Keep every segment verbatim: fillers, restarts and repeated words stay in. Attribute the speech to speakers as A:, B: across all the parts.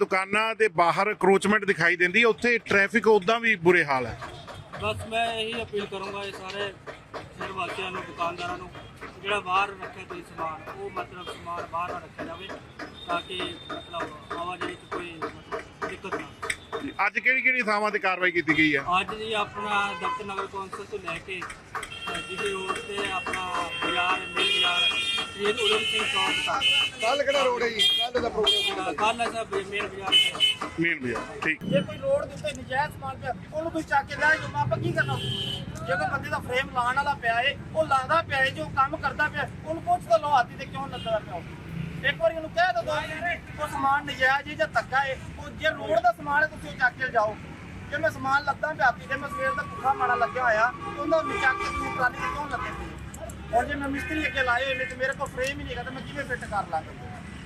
A: दुकानां दे बाहर क्रोचमेंट दिखाई देंदी है, उत्थे ट्रैफिक उदां भी बुरे हाल है।
B: बस मैं यही अपील करूँगा ये सारे शहर वासियों ਨੂੰ ਦੁਕਾਨਦਾਰਾਂ ਨੂੰ ਜਿਹੜਾ ਬਾਹਰ ਰੱਖਿਆ ਤੁਸੀਂ ਸਮਾਨ ਉਹ ਮਤਲਬ ਸਮਾਨ ਬਾਹਰ ਨਾ ਰੱਖਿਆ ਜਾਵੇ ਤਾਂ ਕਿ ਮਤਲਬ ਆਵਾਜਾਈ 'ਚ ਕੋਈ ਮਤਲਬ ਦਿੱਕਤ ਨਾ ਆਵੇ।
A: ਅੱਜ ਕਿਹੜੀ ਕਿਹੜੀ ਥਾਵਾਂ ਤੇ ਕਾਰਵਾਈ ਕੀਤੀ ਗਈ ਹੈ?
B: ਅੱਜ ਜੀ ਆਪਣਾ ਦਫ਼ਤਰ ਨਗਰ ਕੌਂਸਲ ਤੋਂ ਲੈ ਕੇ ਜਿਹਦੇ ਰੋਡ ਤੇ ਆਪਣਾ ਬਾਜ਼ਾਰ ਮਿਲ ਬਾਜ਼ਾਰ ਸ਼ਹੀਦ ਉਦਮ ਸਿੰਘ ਚੌਕ ਤੱਕ।
C: ਕੱਲ ਕਿਹੜਾ ਰੋਡ ਹੈ ਜੀ? ਕੱਲ ਦਾ ਪ੍ਰੋਗਰਾਮ
B: ਕੱਲ ਹੈ ਸਭ ਮੇਨ ਬਾਜ਼ਾਰ ਤੇ
A: ਮੇਨ ਬਾਜ਼ਾਰ ਠੀਕ।
C: ਜੇ ਕੋਈ ਰੋਡ ਦੇ ਉੱਤੇ ਨਜਾਇਜ਼ ਸਮਾਨ ਪਿਆ ਉਹਨੂੰ ਕੋਈ ਚੱਕ ਕੇ ਲੈ ਜਾਓ, ਆਪਾਂ ਕੀ ਕਰਨਾ? ਜੇ ਕੋਈ ਬੰਦੇ ਦਾ ਫਰੇਮ ਲਾਉਣ ਵਾਲਾ ਪਿਆ ਏ, ਉਹ ਲਾਉਂਦਾ ਪਿਆ ਏ, ਜੋ ਕੰਮ ਕਰਦਾ ਪਿਆ ਉਹਨੂੰ ਪੁੱਛ ਤਾਂ ਲਓ ਹਾਥੀ ਤੇ ਕਿਉਂ ਲੱਗਾ ਪਿਆ ਉਹ। ਇੱਕ ਵਾਰੀ ਉਹਨੂੰ ਕਹਿ ਦੋ ਉਹ ਸਮਾਨ ਨਜਾਇਜ਼ ਏ ਜਾਂ ਧੱਕਾ ਏ, ਉਹ ਜੇ ਰੋਡ ਦਾ ਸਮਾਨ ਹੈ ਤੁਸੀਂ ਉਹ ਚੱਕ ਕੇ ਜਾਓ। ਜੇ ਮੈਂ ਸਮਾਨ ਲੱਦਾਂ ਪਿਆ ਹਾਥੀ ਤੇ ਮੈਂ ਸਵੇਰ ਦਾ ਭੁੱਖਾ ਮਾੜਾ ਲੱਗਿਆ ਹੋਇਆ ਉਹਦਾ ਵੀ ਚੱਕ ਕੇ ਤੁਸੀਂ ਟਰਾਲੀ ਤੇ ਕਿਉਂ ਲੱਗੇ ਪਏ? ਔਰ ਜੇ ਮੈਂ ਮਿਸਤਰੀ ਅੱਗੇ ਲਾਏ ਹੋਏ ਨੇ ਤੇ ਮੇਰੇ ਕੋਲ ਫਰੇਮ ਹੀ ਨਹੀਂ ਹੈਗਾ ਤਾਂ ਮੈਂ ਕਿਵੇਂ ਫਿੱਟ ਕਰ ਲਾਂਗਾ?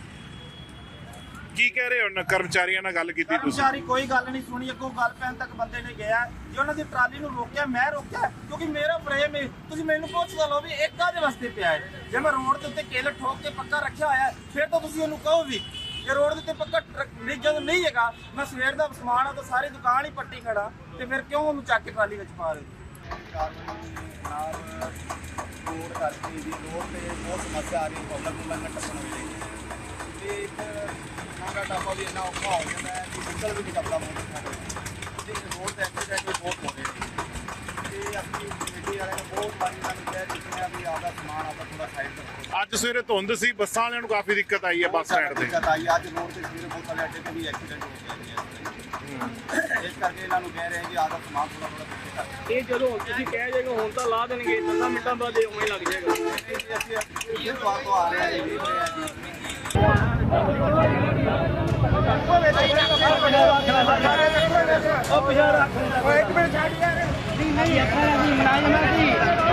A: ਕੀ ਕਹਿ ਰਹੇ ਹੋ? ਕਰਮਚਾਰੀਆਂ ਨਾਲ ਗੱਲ ਕੀਤੀ ਤੁਸੀਂ?
C: ਕਰਮਚਾਰੀ ਕੋਈ ਗੱਲ ਨਹੀਂ ਸੁਣੀ, ਅੱਗੋਂ ਗੱਲ ਪੈਣ ਤੱਕ ਬੰਦੇ ਨੇ ਗਿਆ। ਜੇ ਉਹਨਾਂ ਦੀ ਟਰਾਲੀ ਨੂੰ ਰੋਕਿਆ ਮੈਂ ਰੋਕਿਆ ਕਿਉਂਕਿ ਮੇਰਾ ਫਰੇਮ ਹੈ। ਤੁਸੀਂ ਮੈਨੂੰ ਪੁੱਛ ਲਓ ਵੀ ਇੱਕ ਕਾਹਦੇ ਵਾਸਤੇ ਪਿਆ ਹੈ? ਜੇ ਮੈਂ ਰੋਡ ਦੇ ਉੱਤੇ ਕਿੱਲ ਠੋਕ ਕੇ ਪੱਕਾ ਰੱਖਿਆ ਹੋਇਆ ਫਿਰ ਤਾਂ ਤੁਸੀਂ ਉਹਨੂੰ ਕਹੋ ਵੀ ਜੇ ਰੋਡ ਦੇ ਉੱਤੇ ਪੱਕਾ ਨਹੀਂ ਜਦੋਂ ਨਹੀਂ ਹੈਗਾ ਮੈਂ ਸਵੇਰ ਦਾ ਸਮਾਨ ਆ ਤਾਂ ਸਾਰੀ ਦੁਕਾਨ ਹੀ ਪੱਟੀ ਖੜਾ ਤੇ ਫਿਰ ਕਿਉਂ ਉਹਨੂੰ ਚੱਕ ਕੇ ਟਰਾਲੀ ਵਿੱਚ ਪਾ ਰਹੇ?
D: ਰੋਡ ਕਰਕੇ ਜੀ ਰੋਡ ਤੇ ਬਹੁਤ ਸਮੱਸਿਆ ਆ ਰਹੀ ਹੈ, ਪਬਲਿਕ ਨੂੰ ਲੰਘਣ ਟੱਪਣ ਵੇਲੇ ਤੇ ਇੱਕ ਨਾਂਗਾ ਟਾਪਾ ਵੀ ਇੰਨਾ ਔਖਾ ਹੋ ਜਾਂਦਾ ਹੈ ਕਿ ਨਿਕਲ ਵੀ ਨਹੀਂ ਸਕਦਾ ਬਹੁਤ ਤੇ ਰੋਡ ਤੇ ਐਕਸੀਡੈਂਟ ਵੀ ਬਹੁਤ ਹੋ ਰਹੇ ਨੇ ਤੇ ਆਪਣੀ ਕਮੇਟੀ ਵਾਲਿਆਂ ਨੇ ਬਹੁਤ ਵਾਰੀ ਸਾਨੂੰ ਕਹਿ ਦਿੱਤੇ ਆ ਵੀ ਆਪਦਾ ਸਮਾਨ ਆਪਦਾ ਥੋੜਾ ਸਾਈਡ ਰੱਖੋ।
A: ਅੱਜ ਸਵੇਰੇ ਧੁੰਦ ਸੀ, ਬੱਸਾਂ ਵਾਲਿਆਂ ਨੂੰ ਕਾਫੀ ਦਿੱਕਤ ਆਈ ਹੈ ਬੱਸ ਸਟੈਂਡ ਤੇ।
D: ਦਿੱਕਤ ਆਈ ਅੱਜ ਰੋਡ ਤੇ ਸਵੇਰੇ ਬਹੁਤ ਸਾਰੇ ਅੱਡੇ ਤੇ ਵੀ ਐਕਸੀਡੈਂਟ ਹੋ ਗਏ ਨੇ ਇਸ ਕਰਕੇ ਇਹਨਾਂ ਨੂੰ ਕਹਿ ਰਹੇ ਜੀ ਆਪਦਾ ਸਮਾਨ ਥੋੜਾ ਥੋੜਾ ਪਿੱਛੇ ਕਰ।
B: ਇਹ ਜਦੋਂ ਤੁਸੀਂ ਕਹਿ ਜਾਏਗਾ ਹੁਣ ਤਾਂ ਲਾ ਦੇਣਗੇ ਦਸਾਂ ਮਿੰਟਾਂ ਬਾਅਦ ਇਹ ਉਵੇਂ ਲੱਗ ਜਾਏਗਾ।
D: ਅਸੀਂ ਇਸ ਵਾਰ ਤੋਂ ਆ ਰਹੇ ਹਾਂ ਜੀ ਵੇਖ ਰਹੇ ਹਾਂ ਜੀ
C: ਇੱਕ ਮਿੰਟ ਛੱਡ ਯਾਰ ਨਹੀਂ ਨਹੀਂ ਅੱਖਾਂ ਦੀ ਮਨਾਜਮਾ ਦੀ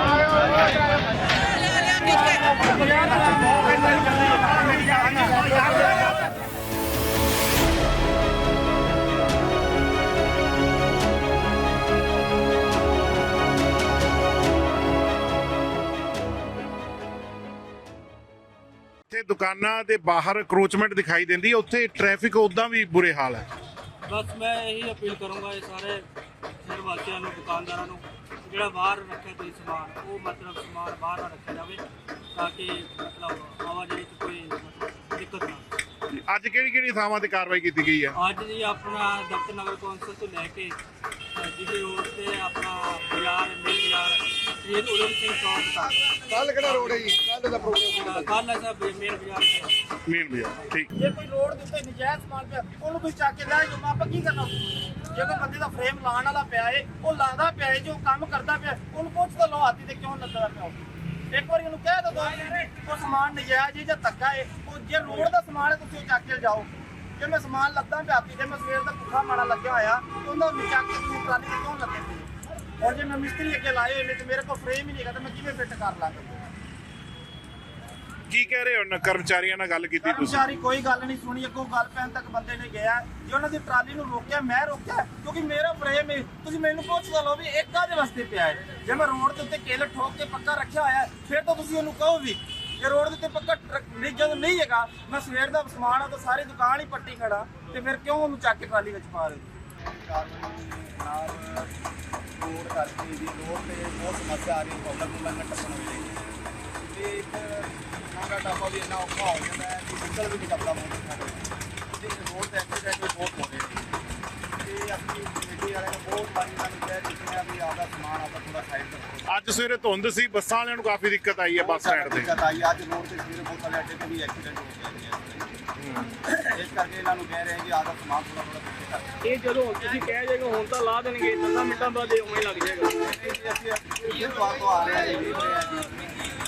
A: ਤੇ ਦੁਕਾਨਾਂ ਦੇ ਬਾਹਰ ਕਰੋਚਮੈਂਟ ਦਿਖਾਈ ਦਿੰਦੀ ਹੈ, ਉੱਥੇ ਟ੍ਰੈਫਿਕ ਉਦਾਂ ਵੀ ਬੁਰੇ ਹਾਲ ਹੈ।
B: ਬਸ ਮੈਂ ਇਹੀ ਅਪੀਲ ਕਰੂੰਗਾ ਇਹ ਸਾਰੇ ਸ਼ਹਿਰ ਵਾਸੀਆਂ ਨੂੰ ਦੁਕਾਨਦਾਰਾਂ ਨੂੰ ਜਿਹੜਾ ਬਾਹਰ ਰੱਖਿਆ ਤੁਸੀਂ ਸਮਾਨ ਉਹ ਮਤਲਬ ਸਮਾਨ ਬਾਹਰ ਨਾ ਰੱਖਿਆ ਜਾਵੇ ਤਾਂ ਕਿ ਮਤਲਬ ਆਵਾਜਾਈ 'ਚ ਕੋਈ ਮਤਲਬ ਦਿੱਕਤ ਨਾ ਆਵੇ।
A: ਅੱਜ ਕਿਹੜੀ ਕਿਹੜੀ ਥਾਵਾਂ ਤੇ ਕਾਰਵਾਈ ਕੀਤੀ ਗਈ ਹੈ?
B: ਅੱਜ ਜੀ ਆਪਣਾ ਦਫ਼ਤਰ ਨਗਰ ਕੌਂਸਲ ਤੋਂ ਲੈ ਕੇ ਜਿਹਦੇ ਰੋਡ ਤੇ ਆਪਣਾ ਬਾਜ਼ਾਰ ਮਿਲ ਬਾਜ਼ਾਰ ਸ਼ਹੀਦ ਉਦਮ ਸਿੰਘ ਚੌਕ ਤੱਕ।
C: ਕੱਲ ਕਿਹੜਾ ਰੋਡ ਹੈ ਜੀ? ਕੱਲ ਦਾ ਪ੍ਰੋਗਰਾਮ
B: ਕੱਲ ਹੈ ਸਭ ਮੇਨ ਬਾਜ਼ਾਰ ਤੇ
A: ਮੇਨ ਬਾਜ਼ਾਰ ਠੀਕ।
C: ਜੇ ਕੋਈ ਰੋਡ ਦੇ ਉੱਤੇ ਨਜਾਇਜ਼ ਸਮਾਨ ਪਿਆ ਉਹਨੂੰ ਕੋਈ ਚੱਕ ਕੇ ਲੈ ਜਾਓ, ਆਪਾਂ ਕੀ ਕਰਨਾ? ਜੇ ਕੋਈ ਬੰਦੇ ਦਾ ਫਰੇਮ ਲਾਉਣ ਵਾਲਾ ਪਿਆ ਏ, ਉਹ ਲਾਉਂਦਾ ਪਿਆ ਏ, ਜੋ ਕੰਮ ਕਰਦਾ ਪਿਆ ਉਹਨੂੰ ਪੁੱਛ ਤਾਂ ਲਓ ਹਾਥੀ ਤੇ ਕਿਉਂ ਲੱਗਾ ਪਿਆ ਉਹ। ਇੱਕ ਵਾਰੀ ਉਹਨੂੰ ਕਹਿ ਦੋ ਉਹ ਸਮਾਨ ਨਜਾਇਜ਼ ਏ ਜਾਂ ਧੱਕਾ ਏ, ਉਹ ਜੇ ਰੋਡ ਦਾ ਸਮਾਨ ਹੈ ਤੁਸੀਂ ਉਹ ਚੱਕ ਕੇ ਜਾਓ। ਜੇ ਮੈਂ ਸਮਾਨ ਲੱਦਾਂ ਪਿਆ ਹਾਥੀ ਤੇ ਮੈਂ ਸਵੇਰ ਦਾ ਭੁੱਖਾ ਮਾੜਾ ਲੱਗਿਆ ਹੋਇਆ ਉਹਦਾ ਵੀ ਚੱਕ ਕੇ ਤੁਸੀਂ ਟਰਾਲੀ ਤੇ ਕਿਉਂ ਲੱਗੇ ਪਏ? ਔਰ ਜੇ ਮੈਂ ਮਿਸਤਰੀ ਅੱਗੇ ਲਾਏ ਹੋਏ ਨੇ ਤੇ ਮੇਰੇ ਕੋਲ ਫਰੇਮ ਹੀ ਨਹੀਂ ਹੈਗਾ ਤਾਂ ਮੈਂ ਕਿਵੇਂ ਫਿੱਟ ਕਰ ਲਾਂਗਾ?
A: ਕੀ ਕਹਿ ਰਹੇ ਹੋ? ਕਰਮਚਾਰੀਆਂ ਨਾਲ ਗੱਲ ਕੀਤੀ ਤੁਸੀਂ?
C: ਕਰਮਚਾਰੀ ਕੋਈ ਗੱਲ ਨਹੀਂ ਸੁਣੀ, ਅੱਗੋਂ ਗੱਲ ਪੈਣ ਤੱਕ ਬੰਦੇ ਨੇ ਗਿਆ। ਜੇ ਉਹਨਾਂ ਦੀ ਟਰਾਲੀ ਨੂੰ ਰੋਕਿਆ ਮੈਂ ਰੋਕਿਆ ਕਿਉਂਕਿ ਮੇਰਾ ਫਰੇਮ ਹੈ। ਤੁਸੀਂ ਮੈਨੂੰ ਪੁੱਛ ਲਓ ਵੀ ਇੱਕ ਕਾਹਦੇ ਵਾਸਤੇ ਪਿਆ ਹੈ? ਜੇ ਮੈਂ ਰੋਡ ਦੇ ਉੱਤੇ ਕਿੱਲ ਠੋਕ ਕੇ ਪੱਕਾ ਰੱਖਿਆ ਹੋਇਆ ਫਿਰ ਤਾਂ ਤੁਸੀਂ ਉਹਨੂੰ ਕਹੋ ਵੀ ਜੇ ਰੋਡ ਦੇ ਉੱਤੇ ਪੱਕਾ ਨਹੀਂ ਜਦੋਂ ਨਹੀਂ ਹੈਗਾ ਮੈਂ ਸਵੇਰ ਦਾ ਸਮਾਨ ਆ ਤਾਂ ਸਾਰੀ ਦੁਕਾਨ ਹੀ ਪੱਟੀ ਖੜਾ ਤੇ ਫਿਰ ਕਿਉਂ ਉਹਨੂੰ ਚੱਕ ਕੇ ਟਰਾਲੀ ਵਿੱਚ ਪਾ ਰਹੇ?
D: ਨਾਲ ਰੋਡ ਕਰਕੇ ਜੀ ਰੋਡ ਤੇ ਬਹੁਤ ਸਮੱਸਿਆ ਆ ਰਹੀ ਹੈ, ਪਬਲਿਕ ਨੂੰ ਲੰਘਣ ਟੱਪਣ ਵੇਲੇ ਤੇ ਇੱਕ ਨਾਂਗਾ ਟਾਪਾ ਵੀ ਇੰਨਾ ਔਖਾ ਹੋ ਜਾਂਦਾ ਹੈ ਕਿ ਨਿਕਲ ਵੀ ਨਹੀਂ ਸਕਦਾ ਬਹੁਤ ਤੇ ਰੋਡ ਤੇ ਐਕਸੀਡੈਂਟ ਵੀ ਬਹੁਤ ਹੋ ਰਹੇ ਨੇ ਤੇ ਆਪਣੀ ਕਮੇਟੀ ਵਾਲਿਆਂ ਨੇ ਬਹੁਤ ਵਾਰੀ ਸਾਨੂੰ ਕਹਿ ਦਿੱਤੇ ਆ ਵੀ ਆਪਦਾ ਸਮਾਨ ਆਪਦਾ ਥੋੜਾ ਸਾਈਡ ਰੱਖੋ।
A: ਅੱਜ ਸਵੇਰੇ ਧੁੰਦ ਸੀ, ਬੱਸਾਂ ਵਾਲਿਆਂ ਨੂੰ ਕਾਫੀ ਦਿੱਕਤ ਆਈ ਹੈ ਬੱਸ ਸਟੈਂਡ ਤੇ।
D: ਦਿੱਕਤ ਆਈ ਅੱਜ ਰੋਡ ਤੇ ਸਵੇਰੇ ਬਹੁਤ ਸਾਰੇ ਅੱਡੇ ਤੇ ਵੀ ਐਕਸੀਡੈਂਟ ਹੋ ਗਏ ਨੇ ਇਸ ਕਰਕੇ ਇਹਨਾਂ ਨੂੰ ਕਹਿ ਰਹੇ ਜੀ ਆਪਦਾ ਸਮਾਨ ਥੋੜਾ ਥੋੜਾ ਪਿੱਛੇ ਕਰ।
B: ਇਹ ਜਦੋਂ ਤੁਸੀਂ ਕਹਿ ਜਾਏਗਾ ਹੁਣ ਤਾਂ ਲਾ ਦੇਣਗੇ ਦਸਾਂ ਮਿੰਟਾਂ ਬਾਅਦ ਇਹ ਉਵੇਂ ਲੱਗ ਜਾਏਗਾ।
D: ਅਸੀਂ ਇਸ ਵਾਰ ਤੋਂ ਆ ਰਹੇ ਹਾਂ ਜੀ ਵੇਖ ਰਹੇ ਹਾਂ ਜੀ